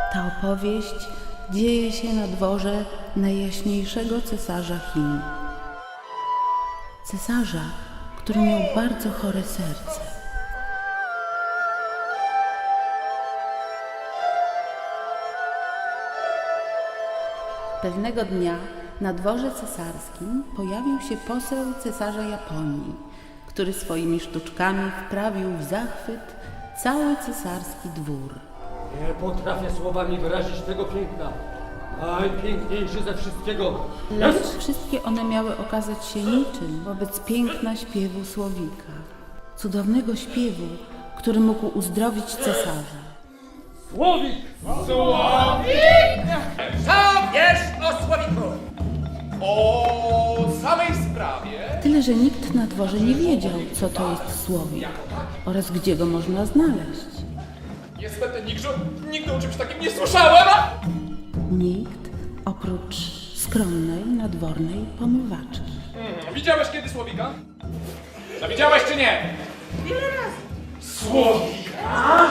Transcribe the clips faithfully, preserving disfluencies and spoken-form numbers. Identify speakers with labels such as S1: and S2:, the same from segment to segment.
S1: Ta opowieść dzieje się na dworze najjaśniejszego cesarza Chin. Cesarza, który miał bardzo chore serce. Pewnego dnia na dworze cesarskim pojawił się poseł cesarza Japonii, który swoimi sztuczkami wprawił w zachwyt cały cesarski dwór.
S2: Nie potrafię słowami wyrazić tego piękna. Najpiękniejszy ze wszystkiego.
S1: Lecz wszystkie one miały okazać się niczym wobec piękna śpiewu Słowika. Cudownego śpiewu, który mógł uzdrowić cesarza.
S2: Słowik!
S3: Słowik! Co wiesz o Słowiku? O samej sprawie?
S1: Tyle, że nikt na dworze nie wiedział, co to jest Słowik oraz gdzie go można znaleźć.
S3: Niestety nigdy, nigdy o czymś takim nie słyszałem!
S1: Nikt oprócz skromnej, nadwornej pomywaczki.
S3: Hmm, widziałeś kiedy Słowika? No widziałeś czy nie? Ile razy? Słowika?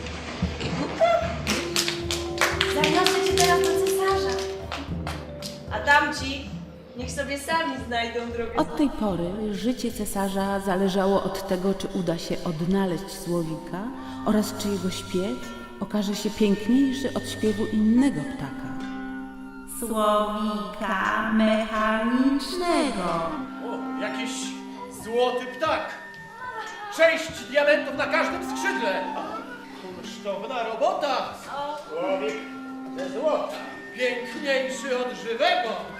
S4: Zaniosę cię teraz do cesarza. A tamci niech sobie sami znajdą drogę.
S1: Od tej pory życie cesarza zależało od tego, czy uda się odnaleźć Słowika oraz czy jego śpiew okaże się piękniejszy od śpiewu innego ptaka. Słowika mechanicznego.
S3: O, jakiś złoty ptak. Sześć diamentów na każdym skrzydle. Kunsztowna robota. Słowik ze złota. Piękniejszy od żywego.